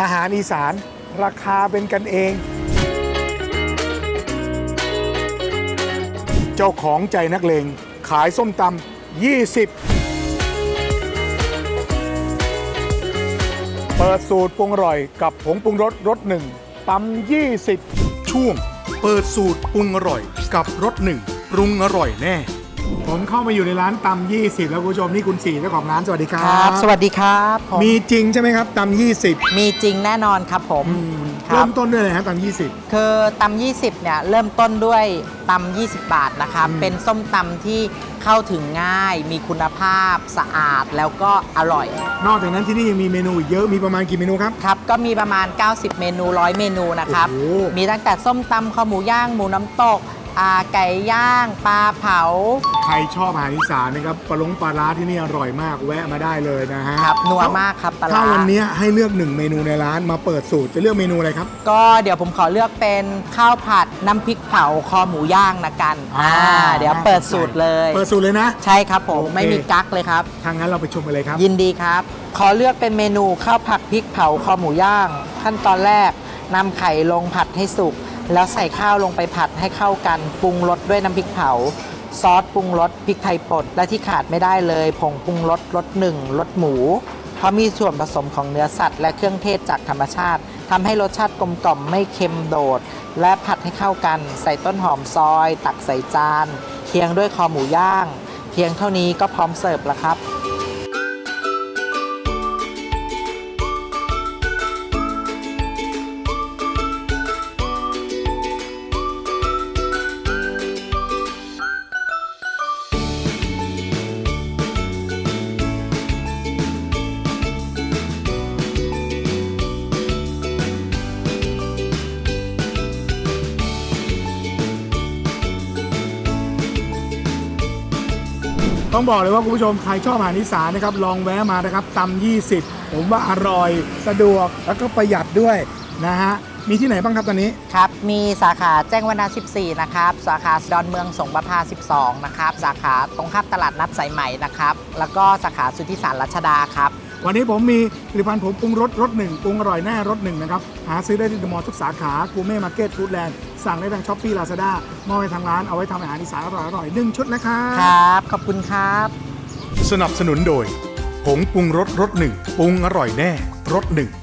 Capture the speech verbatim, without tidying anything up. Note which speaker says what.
Speaker 1: อาหารอีสานราคาเป็นกันเอง เจ้าของใจนักเลงขายส้มตำยี่สิบเปิดสูตรปรุงอร่อยกับผงปรุงรสรสหนึ่งตำยี่สิบช่วงเปิดสูตรปรุงอร่อยกับรสหนึ่งปรุงอร่อยแน่ผมเข้ามาอยู่ในร้านตำยี่สิบแล้วคุณผู้ชมนี่คุณสี่เจ้าของร้านสวัสดีครับ
Speaker 2: ครับสวัสดีครับผม
Speaker 1: มีจริงใช่ไหมครับตำยี่สิบ
Speaker 2: มีจริงแน่นอนครับผม
Speaker 1: เริ่มต้นด้วยอะไรฮะตำยี่สิบ
Speaker 2: คือตำยี่สิบเนี่ยเริ่มต้นด้วยตำยี่สิบบาทนะครับเป็นส้มตำที่เข้าถึงง่ายมีคุณภาพสะอาดแล้วก็อร่อย
Speaker 1: นอกจากนั้นที่นี่ยังมีเมนูเยอะมีประมาณกี่เมนูครับ
Speaker 2: ครับก็มีประมาณเก้าสิบเมนูร้อยเมนูนะครับมีตั้งแต่ส้มตำข้าวหมูย่างหมูน้ำตกไก่ย่างปลาเผา
Speaker 1: ใครชอบอาหารอีสานนะครับปลาลงปลาร้าที่นี่อร่อยมากแวะมาได้เลยนะฮะ
Speaker 2: ครับนัวมากครับปลาร้า
Speaker 1: ถ้าวันนี้ให้เลือกหนึ่งเมนูในร้านมาเปิดสูตรจะเลือกเมนูอะไรครับ
Speaker 2: ก็เดี๋ยวผมขอเลือกเป็นข้าวผัดน้ำพริกเผาคอหมูย่างนะกันอ่าเดี๋ยวเปิดสูตรเลย
Speaker 1: เปิดสูตรเลยนะ
Speaker 2: ใช่ครับผมไม่มีกั๊กเลยครับ
Speaker 1: ทางนั้นเราไปชมกันเลยครับ
Speaker 2: ยินดีครับขอเลือกเป็นเมนูข้าวผัดพริกเผาคอหมูย่างขั้นตอนแรกนำไข่ลงผัดให้สุกแล้วใส่ข้าวลงไปผัดให้เข้ากันปรุงรสด้วยน้ำพริกเผาซอสปรุงรสพริกไทยป่นและที่ขาดไม่ได้เลยผงปรุงรสรสหนึ่งรสหมูเพราะมีส่วนผสมของเนื้อสัตว์และเครื่องเทศจากธรรมชาติทำให้รสชาติกลมกล่อมไม่เค็มโดดและผัดให้เข้ากันใส่ต้นหอมซอยตักใส่จานเคียงด้วยคอหมูย่างเพียงเท่านี้ก็พร้อมเสิร์ฟแล้วครับ
Speaker 1: ต้องบอกเลยว่าคุณผู้ชมใครชอบอาหารอีสานนะครับลองแวะมานะครับตำยี่สิบผมว่าอร่อยสะดวกแล้วก็ประหยัดด้วยนะฮะมีที่ไหนบ้างครับตอนนี้
Speaker 2: ครับมีสาขาแจ้งวัฒนะสิบสี่นะครับสาขาดอนเมืองสงประภาสิบสองนะครับสาขาตรงข้ามตลาดนัดสายไหมนะครับแล้วก็สาขาสุทธิสารรัชดาครับ
Speaker 1: วันนี้ผมมีผลิตภัณฑ์ผมปรุงรสรสหนึ่งปรุงอร่อยแน่รสหนึ่งนะครับหาซื้อได้ที่เดอะมอลล์ทุกสาขากูเม่มาร์เก็ตฟู้ดแลนด์สั่งได้ทางช้อปปี้ลาซาด้ามอบให้ทางร้านเอาไว้ทำอาหารอีสานอร่อยๆหนึ่งชุดนะครับ
Speaker 2: ครับขอบคุณครับ
Speaker 1: สนับสนุนโดยผงปรุงรสรสหนึ่งปรุงอร่อยแน่รสหนึ่ง